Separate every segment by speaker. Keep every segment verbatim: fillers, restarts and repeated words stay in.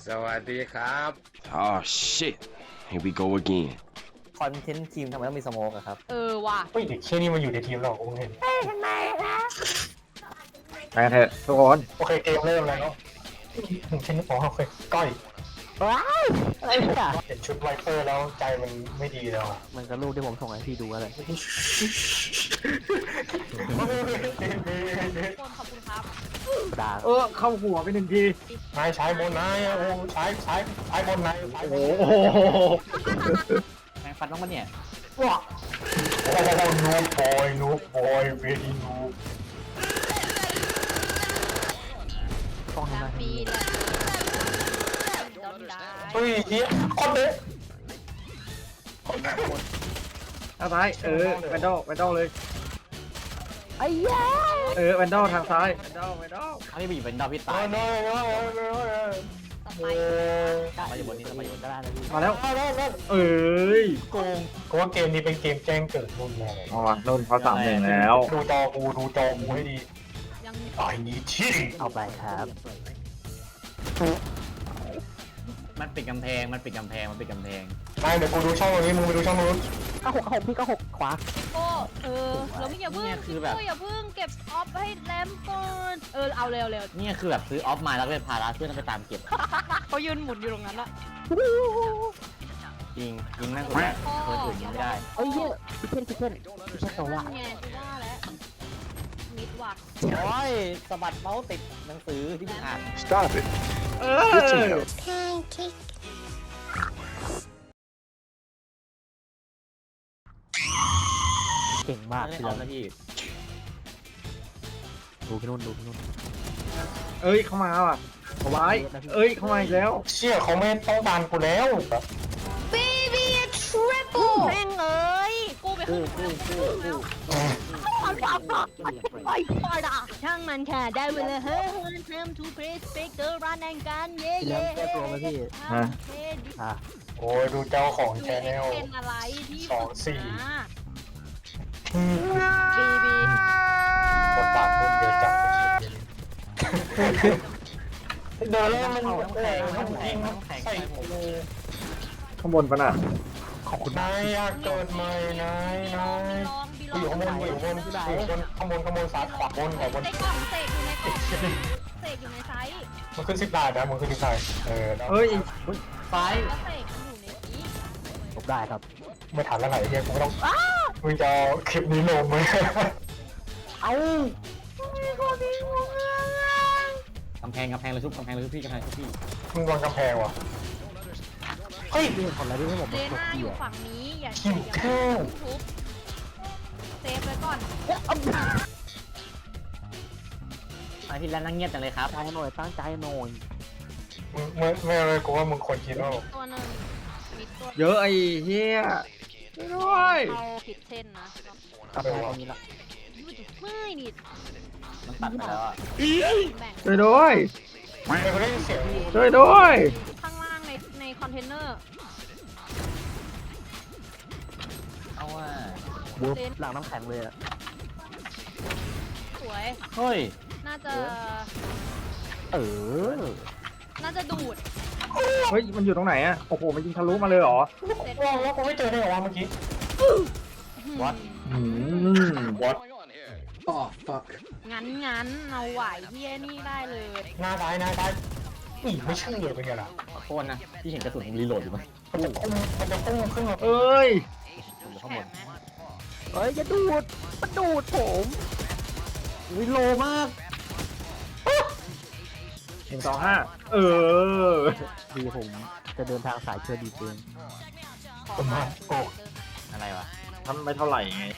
Speaker 1: สวัสดีครับ
Speaker 2: Oh shit here we go again
Speaker 3: คอนเทนต์ทีมทำไมต้องมีสโมกอะครับ
Speaker 4: เออว่ะ
Speaker 5: เฮ้ยเด็กเชี่ยนี่มาอยู่ในทีมเราผมเห็น
Speaker 6: ไปกันเถอะทุกคน
Speaker 5: โอเคเกมเริ่มแล้วถึงเช่นอ๋อโอเคก้อย
Speaker 3: ว้ายอะไรเนี่ย
Speaker 5: เห็นชุดไวเปอร์แล้วใจมันไม่ดีแล้ว
Speaker 3: มันก็รูปที่ผมส่งให้พี่ดูอะไร
Speaker 4: คนขอบคุณครับ
Speaker 3: ด่า
Speaker 6: เออเข้าหัวไปหนึ่งที
Speaker 5: นายใช้บนนายโอ้ใช้ใช้ใช้บนนายใช้
Speaker 6: โอ้
Speaker 5: บ
Speaker 6: โห
Speaker 5: น
Speaker 3: แมงฟันต้องมาเนี่ย
Speaker 5: ว้าโอ้นูบอยนูบอยเวดีนู
Speaker 3: ต้อง
Speaker 4: แฮ
Speaker 3: ทำไม
Speaker 4: ปปี้และดอนได้
Speaker 5: เฮ้ยเฮียคนเด็ก
Speaker 6: ทางซ้ายเออแวนดอลแวนดอลเลย
Speaker 3: ไอ้แย่
Speaker 6: เออแวนดอลทางซ้ายแวนดอลแวนดอล
Speaker 3: อันนี้บีบเป็นดาวพี่
Speaker 5: ตา
Speaker 3: ตาย ย
Speaker 5: น้อยน้อยน้อยน้อย
Speaker 4: ส
Speaker 5: โอ้
Speaker 4: ไป
Speaker 3: มาอยู่บนนี้มาอยู่บนก็ได้นะพี่
Speaker 6: มาแล้ว
Speaker 5: ย
Speaker 6: เอ้ย
Speaker 5: โกงกูว่าเกมนี้เป็นเกมแจ้งเกิดรุ่นแน่เลย
Speaker 6: อ๋อนุ่นเขาสามหนึ่งแล้ว
Speaker 5: ดูจอกูดูจอกูให้ดี
Speaker 4: ยัง
Speaker 5: ไอ้นี่ชิง
Speaker 3: เอาไปครับ มันปิดกำแพงมันปิดกำแพงมันปิดกำแพง
Speaker 5: ไม่เดี๋ยวกูดูช่องตรงนี้มึงไปดูช่องนู้น
Speaker 3: ก็หกก็หกพี่ก็หกขวา
Speaker 4: โก้เออเราไม่อย่าพึ่ง
Speaker 3: เนี่ยคือแบบ
Speaker 4: โก้อย่าพึ่งเก็บออฟให้แรมก่อนเออเอาเร็วเร็ว
Speaker 3: เนี่ยคือแบบซื้อออฟมาแล้วเป็นพาราเพื่อนไปตามเก็บ
Speaker 4: เขายืนหมุนอยู่ตรงนั้นละ
Speaker 3: ยิงยิงแม่งสุดคนอื่นยิงไม่ได้เอ้ยเยอะพี่เพื่อนพี่เพื่อนพี่เพื่อนตัวละ
Speaker 4: ไงกูว่าแล้วมิดว่ะ
Speaker 3: โอ้ยสะบัดเมาส์ติดหนังสือที่พี่อ่าน
Speaker 2: stop it
Speaker 6: เออ
Speaker 3: เก่งมากพี่แล้วนะพี่ดูพี่นุ่นดูพี่นุ่น
Speaker 6: เอ้ยเข้ามาว่ะเอาไว้เอ้ยเข้ามาอีกแล้ว
Speaker 5: เชี่ยเขาไม่ต้องการกูแล้ว
Speaker 4: Baby triple แม่งเอ้ยกูไปขึ้น
Speaker 3: กู้กู้กู้
Speaker 4: ไปพอดาช่างมันค่ะได้เวลาเฮ้ย time to play speak the run and gun เย่
Speaker 3: พี่แล้ว
Speaker 4: เย่
Speaker 3: แก้ตัวไหมพี่
Speaker 6: ฮะ
Speaker 3: อ่ะ
Speaker 5: โอ้ยดูเจ้าของแชนแนล
Speaker 4: เป็นอะไรที่
Speaker 5: สองสี่
Speaker 4: บีบี
Speaker 5: บทบาทมันเยอะจังเดินแล้วมันแข็งมันยิงใส่กู
Speaker 6: ข้างบนปะน่ะ
Speaker 5: ขอบคุณนายอยากเกิดใหม่นายนาย
Speaker 4: ลองบีล
Speaker 5: กูอยู่
Speaker 4: อง
Speaker 5: ข้างบนกูอยู่ข้างบนกูอยู่ข้างบนข้างบนข้างบนซ้ายขวาบนขวาบน
Speaker 4: ในกล่องเสกอยู่ในกล่องเสกอยู่ในไซส์
Speaker 5: มันขึ้นสิบดาวนะมันขึ้นสิบดาวเออ
Speaker 6: เอ้ย
Speaker 3: ไฟ
Speaker 4: แล้วเสกมันอยู่ในนี้
Speaker 3: จบได้ครับ
Speaker 5: ไม่ทันแล้วไหนเฮียกูไม่ต้องมึงจะคลิปนี้ลงไหม
Speaker 3: เอากำแพงกำแพงเลยชุบกำแพงเลยชุบพี่กำแพงชุบพี่
Speaker 5: มึงวางกำแพงวะเฮ้ย
Speaker 3: พี่คนละที่ให้ผม
Speaker 4: เด
Speaker 3: กด
Speaker 4: น่าอ
Speaker 3: พี่
Speaker 4: ยู่
Speaker 3: อ่ะ
Speaker 4: ฝั่งนี้อย่า
Speaker 5: หิว
Speaker 4: อย่า
Speaker 5: ข้าว
Speaker 4: ทุบเซฟไว้ก่อน
Speaker 3: ไอพี่แล้วนั่งเงียบจังเลยครับใจหน่อยตั้งใจหน่อย
Speaker 5: มึงไม่ไม่เลยกูว่ามึงควรคิดว่า
Speaker 4: ตัวหนึ่งมิดตัว
Speaker 6: เยอะไอ้เฮียช่วยด้วย
Speaker 4: เข้าผิดเส้นนะ
Speaker 3: กำแพงตรงนี้ละ
Speaker 4: ไม่นิด
Speaker 3: มันตัดไปแล้วอ่ะ
Speaker 4: แบ่ง
Speaker 6: ช่วยด้วย
Speaker 5: ไม่กูได้ยินเสียง
Speaker 6: ช่วยด้วย
Speaker 4: ข้างล่างในในคอนเทนเนอร์
Speaker 3: เอาว่าบุ๊บหลังน้ำแข็งเลยอ่ะ
Speaker 4: สวย
Speaker 3: เฮ้ย
Speaker 4: น่าจะ
Speaker 3: เออ
Speaker 4: น่าจะดูด
Speaker 6: เฮ้ยมันอยู่ตรงไหนอะโอ้โหมันยิงทะลุมาเลยเหรอ
Speaker 4: เสร็จ
Speaker 5: ว่างแล้วกูไม่เจอได้หรอวะเมื่อกี้
Speaker 3: วัด
Speaker 6: อืม
Speaker 5: what
Speaker 4: งั้นงั้นเอาไหวที่ไอ้นี่ได้เลย
Speaker 5: หน้าซ้ายหน้าซ้ายนี่ไม่เชื่อเลยเป็นไงล่ะ
Speaker 3: ขอโทษนะพี่เห็นกระสุนรีโหลดอยู่ไหม
Speaker 5: มันจะพุ่งมันจะพุ่งขึ้นมา
Speaker 6: เอ้ย
Speaker 3: อยู่ข้าง
Speaker 4: แข็
Speaker 3: บ
Speaker 4: ง
Speaker 3: น
Speaker 4: ไหม
Speaker 3: เฮ้ยจะดูดมันดูดผมวิโลมาก
Speaker 6: หนึ่งสองห้าเออ
Speaker 3: ดีผมจะเดินทางสายเชื่อดีเอง
Speaker 4: ขอมาโอ้
Speaker 3: อะไรวะ
Speaker 6: ทำไม่เท่าไหร่ไง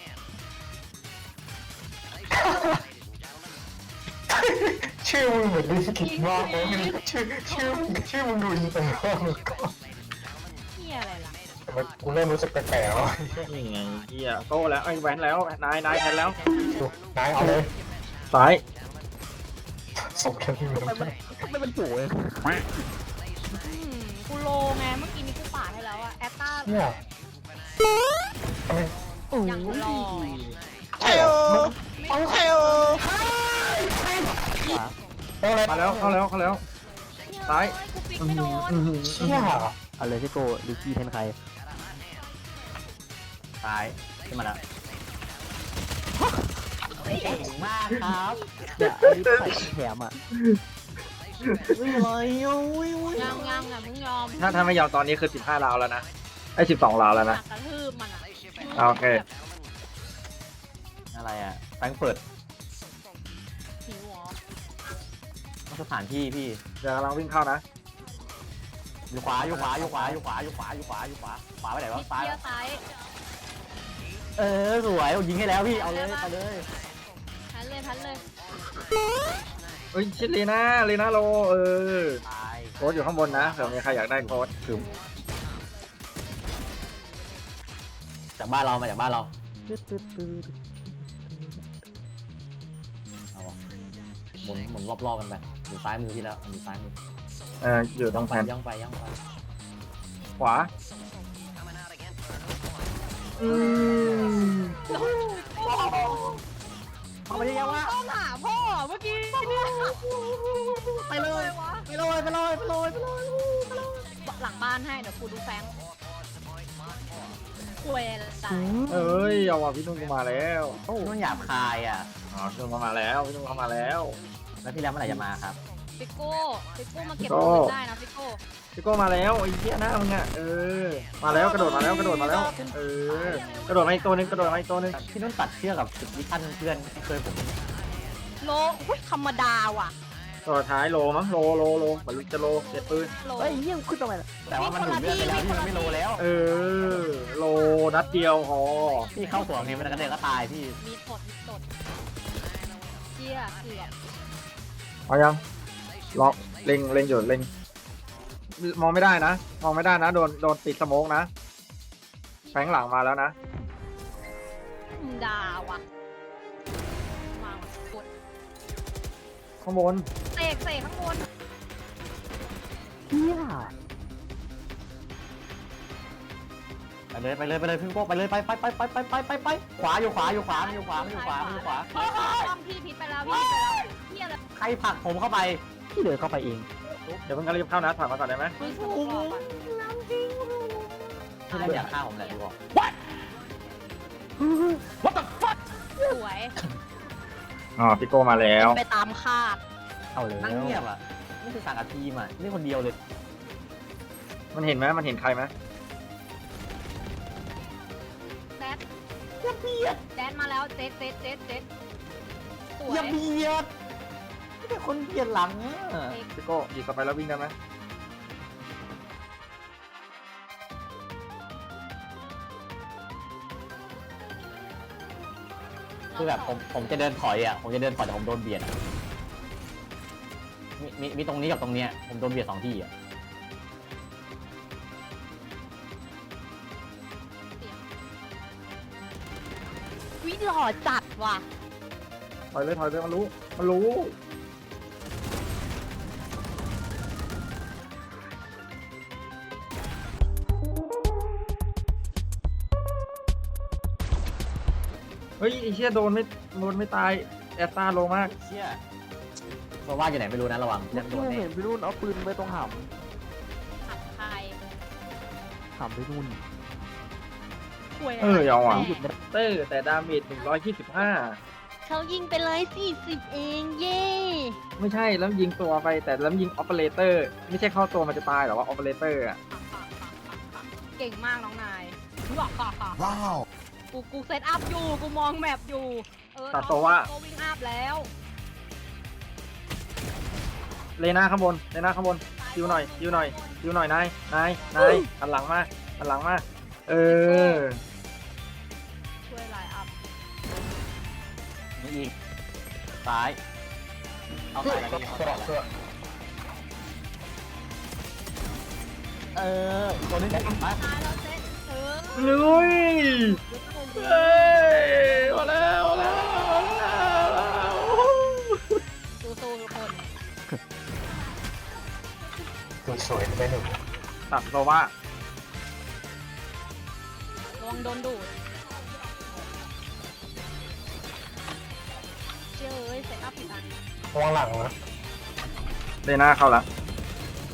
Speaker 5: ชื่อมึงเหมือนลิขิตมากเลยชื่อชื่อชื่อมึงดูอินเตอร์มากเลยก็
Speaker 4: เฮียอะไรล่ะ
Speaker 5: แต่ว่ากูเริ่มรู้สึกแปลกๆแล้ว
Speaker 6: นี่ไงเฮียโตแล้วไอ้แวนแล้วนายนายแทนแล้ว
Speaker 5: นายเอาเลย
Speaker 6: ซ้าย
Speaker 5: ส่งแค่ที่มึง
Speaker 3: ทำไมมันสวย
Speaker 4: อืมกูโลไงเมื่อกี้นี้กูปาดให้แล้วอะแอตตา
Speaker 5: เนี่ยทำไม
Speaker 4: ยังรอ
Speaker 5: ใช่เหรอเอาใช่เหรอเอาเลย
Speaker 6: มาแล้วเข้าแล้วเข้าแล้ว
Speaker 4: เฮ้
Speaker 6: ซ้าย
Speaker 4: กูปิก
Speaker 6: อื้อ
Speaker 4: ไม่โด
Speaker 6: หือน อื้อหือ
Speaker 5: เชี่ย
Speaker 3: เอาเลยพี่โก้ลิกกี้แทนใคร
Speaker 1: ซ้ายขึ้นมาแล้ว
Speaker 3: เก่งมากครับเดี๋ยวอันนี้ใส่แถมอ่ะ
Speaker 1: วิ่งเลยอุ้ยอุ้ย
Speaker 4: ยามยามอย่าเพิ่งยอม
Speaker 6: ถ้าถ้าไม่ยอมตอนนี้คือสิบห้าราวแล้วนะไอ้สิบสองราวแล้วนะ
Speaker 4: กระทืบมันอ่ะ
Speaker 6: อ่าโอเค
Speaker 1: อะไรอ่ะแฟรงก์เฟิร์ต
Speaker 4: หิวเหรอ
Speaker 1: สถานที่พี่
Speaker 6: เดี๋ยวกำลังวิ่งเข้านะ
Speaker 1: อยู่ขวาอยู่ขวาอยู่ขวาอยู่ขวาอยู่ขวาอยู่ขวาอยู่ขวาขวาไปไหนวะ
Speaker 4: นิด
Speaker 1: ซ้าย
Speaker 4: เดียวซ้าย
Speaker 1: เออสวยยิงให้แล้วพี่เอาเลยเอาเลย
Speaker 4: พันเลยพันเลย
Speaker 6: เฮ้ยชิดลีน่าลีน่าโลเออ
Speaker 1: ตาย
Speaker 6: โค้ดอยู่ข้างบนนะเผื่อมีใครอยากได้โค้ดคือ
Speaker 1: จากบ้านเรามาจากบ้านเรา
Speaker 3: ตึ๊ดตึ๊ดตึ๊ด
Speaker 1: เอาวะหมุนหมุนรอบๆกันไปอยู่ซ้ายมือพี่แล้วอยู่ซ้ายมือ
Speaker 6: เอออยู่ตรงแผ่น
Speaker 1: ย่องไปย่องไป
Speaker 6: ขวาอืม
Speaker 1: เอาไปยังวะ
Speaker 4: ต้องหาพ่อเมื่อกี้เนี่ย
Speaker 1: ไปเลย
Speaker 4: วะ
Speaker 1: ไปเลยไปเลยไปเลยไปเลย
Speaker 4: หลังบ้านให้เดี๋ยวกูดูแฟงคุยตาย
Speaker 6: เอ้ยเอาว่ะพี่นุ่นกูมาแล้วโอ้
Speaker 1: นุ่นหยาบคายอ่ะ
Speaker 6: อ๋อพี่นุ่นเข้ามาแล้วพี่นุ่นเข้ามาแล้ว
Speaker 1: แล้วพี่แล้วเมื่อไหร่จะมาครับ
Speaker 4: ฟิโก้ฟิโก้มาเก็บ
Speaker 6: โก้
Speaker 4: ปืนได้นะฟิโก้
Speaker 6: พี่โก้มาแล้วไอ้เหี้ยหน้ามึงอ่ะเออมาแล้วกระโดดมาแล้วกระโดดมาแล้วเออกระโดดมาอีกตัวหนึงกระโดดมาอีกตัวหนึง
Speaker 1: พี่นุ่นตัดเชือกกับจุดวิชั่นเพื่อนที่เคยผม
Speaker 4: โลอุ้ยธรรมดาว่ะ
Speaker 6: ตัวท้ายโลมั้งโลโลโลเหมือนจะโลเจ็ดปืน
Speaker 4: โล
Speaker 3: เฮ้ยเยี่ยมขึ้นทำไมล่ะ
Speaker 1: แต่ว่ามันหนุนเลือดไปแล้วพี่มันไม่โลแล้ว
Speaker 6: เออโลนัดเดียวพอ
Speaker 1: พี่เข้าสวนนี้มันกระเด็นก็ตายพี่
Speaker 4: มีสดมีสดเชี่ยเกือบ
Speaker 6: เอายังล็อกเล็งเล็งอยู่เล็งมองไม่ได้นะมองไม่ได้นะโดนโดนติดสโมกนะแฝงหลังมาแล้วนะ
Speaker 4: มึงด่าว่ะมาว่ะกด
Speaker 6: ข้างบน
Speaker 4: เสกเสกข้างบน
Speaker 3: เฮีย
Speaker 1: ไปเลยไปเลยไปเลยพี่โก้ไปเลยไปไปไปไปไปไปไปไปขวาอยู่ขวาอยู่ขวาอยู่ขวาอยู่ขวาอยู่ขวา
Speaker 4: พี่ต้องพี่พิษไปแล้วพี่พิษไปแล้วเฮียเลย
Speaker 1: ใครผลักผมเข้าไป
Speaker 3: พี่เดินเข้าไปเอง
Speaker 6: เดี๋ยวเพิ่งกระรีบเข้านะถอยมาก่อนได้ไหม
Speaker 4: มึงถูกก่อน
Speaker 1: พี่นั่นอยากฆ่าผมแหละดูบอก
Speaker 4: สวย
Speaker 6: อ๋อพี่โก้มาแล้ว
Speaker 4: ไปตามคาด
Speaker 3: เอาเลย
Speaker 1: นั่งเงียบอ่ะนี่คือสั่งกับทีมอ่ะนี่คนเดียวเลย
Speaker 6: มันเห็นไหมมันเห็นใครไหม
Speaker 4: แดดอย่าเบียดแดดมาแล้วเจ็ดเจ็ดเจ็ดเจ็ดสวย
Speaker 1: อย่าเบียดไม่ใช่คนเบียดหลังอ่ะ
Speaker 6: พี่โก้หยิบกลับไปแล้ววิ่งได้ไหม
Speaker 1: คือแบบผมผมจะเดินถอยอ่ะผมจะเดินถอยแต่ผมโดนเบียดอะมีมีมีตรงนี้กับตรงเนี้ยผมโดนเบียดสองที่อ่ะ
Speaker 4: วิหล่อจัดว่ะ
Speaker 6: ถอยเลยถอยเลยมันรู้มันรู้เฮ้ยไอ้เชี่ยโดนไม่โดนไม่ตายแอสตาโลมาก
Speaker 1: เชี่ยเพราะว่าอยู่ไหนไม่รู้นะระวัง
Speaker 3: เมื่
Speaker 1: ยั
Speaker 3: อง
Speaker 1: โด
Speaker 3: กี้
Speaker 1: นแน่
Speaker 3: เห็นพี่นุ่นเอาปืนไว้ตรงห
Speaker 4: ขับใคร
Speaker 3: ำหำพี่นุ่น
Speaker 4: คุย
Speaker 6: เออเอาอ่ะ
Speaker 3: หยุดไม่ได้
Speaker 6: เตอร์แต่ดาเมจหนึ่งร้อยยี่สิบห้า
Speaker 4: เขายิงไปเลยสี่สิบเองเย่
Speaker 6: ไม่ใช่แล้วยิงตัวไปแต่แล้วยิงออปเปอเรเตอร์ไม่ใช่เข้าตัวมันจะตายหรอว่าออปเปอเรเตอร์อ่ะ
Speaker 4: เก่งมากน้องนายว้าวกูกูเซตอัพอยู่กูมองแมปอยู่เออ
Speaker 6: ตัดตัวว่า
Speaker 4: ก็วิ่งอัพแล้ว
Speaker 6: เลน่าข้างบนเลน่าข้างบนคิวหน่อยคิวหน่อยคิวหน่อยนายนายนายหันหลังมาหันหลังมาเออ
Speaker 4: ช่วยไลน์อัพ
Speaker 1: มีอีกซ้ายเอาซ้ายแล้วพี่เอาซ้ายแล้วเออตัวนี้มา
Speaker 4: ตายแล้วเซตเออ
Speaker 6: ลุยเฮ้ยมาแล้วมาแล้วมาแล้ว
Speaker 4: สู้ๆทุกคน
Speaker 5: ตัวสวยไปหนึ่ง
Speaker 6: ตัดโซว่า
Speaker 4: ระวังโดนดูดเจ้ยเซตอัพผิดอัน
Speaker 5: วางหลังนะ
Speaker 6: เลน่าเข้าละ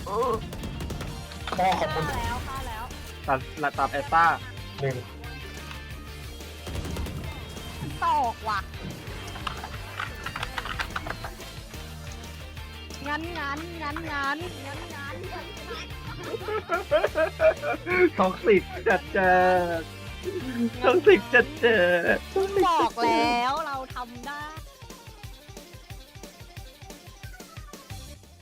Speaker 5: พ่อขอบคุณ
Speaker 4: ฆ่าแล้วฆ่าแล้ว
Speaker 6: ตัดละตัดแอสต้า
Speaker 5: หนึ่ง
Speaker 4: ตอกว่ะงั้นงั้นงั้นงั้นงั้นงั้น
Speaker 6: ท็อกซิกจัดเจอท็อกซิกจัดเจอ
Speaker 4: บอกแล้วเรา